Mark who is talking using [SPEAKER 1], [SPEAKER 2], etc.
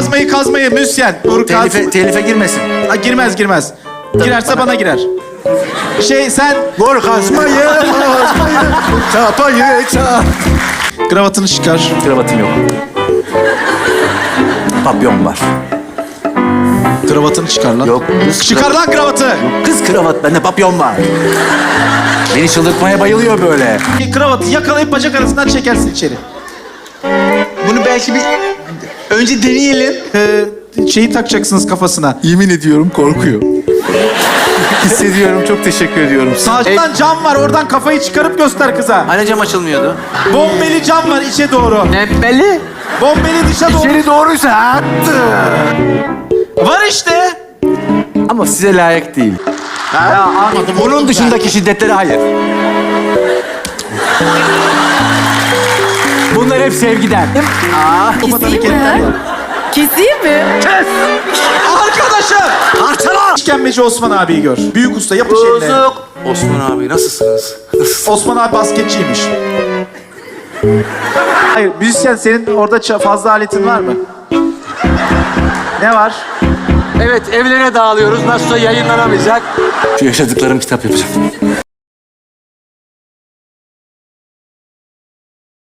[SPEAKER 1] kazmayı müzisyen. Dur kaz.
[SPEAKER 2] Telife girmesin.
[SPEAKER 1] Ha, girmez. Girerse bana girer. Sen
[SPEAKER 2] Vur kazmayı, çapayı çap.
[SPEAKER 1] kravatını çıkar.
[SPEAKER 2] Kravatım yok. Papyon var.
[SPEAKER 1] Kravatını çıkar lan.
[SPEAKER 2] Yok.
[SPEAKER 1] Çıkar lan kravatı.
[SPEAKER 2] Kız kravat, bende papyon var. Beni çıldırtmaya bayılıyor böyle.
[SPEAKER 1] Kravatı yakalayıp bacak arasından çekersin içeri.
[SPEAKER 3] Bunu belki bir önce deneyelim.
[SPEAKER 1] Şeyi takacaksınız kafasına.
[SPEAKER 2] Yemin ediyorum korkuyor. Hissediyorum, çok teşekkür ediyorum.
[SPEAKER 1] Sağdan cam var, oradan kafayı çıkarıp göster kıza.
[SPEAKER 3] Hani cam açılmıyordu?
[SPEAKER 1] Bombeli cam var içe doğru.
[SPEAKER 3] Ne belli?
[SPEAKER 1] Bombeli dışa doğru.
[SPEAKER 2] İçeri doğruysa attı.
[SPEAKER 1] Var işte.
[SPEAKER 2] Ama size layık değil.
[SPEAKER 1] Ya anladım.
[SPEAKER 2] Bunun dışındaki şiddetlere hayır. Bunlar hep sevgiden.
[SPEAKER 4] Keseyim mi? Keseyim mi?
[SPEAKER 1] Arkadaşım.
[SPEAKER 2] Parçala!
[SPEAKER 1] İşkembeci Osman abiyi gör. Büyük usta yapış eline.
[SPEAKER 3] Osman abi nasılsınız?
[SPEAKER 1] Osman abi basketçiymiş. Hayır, müzisyen senin orada fazla aletin var mı? Ne var?
[SPEAKER 3] Evet evlere dağılıyoruz. Nasılsa yayınlanamayacak.
[SPEAKER 2] Şu yaşadıklarım kitap yapacağım.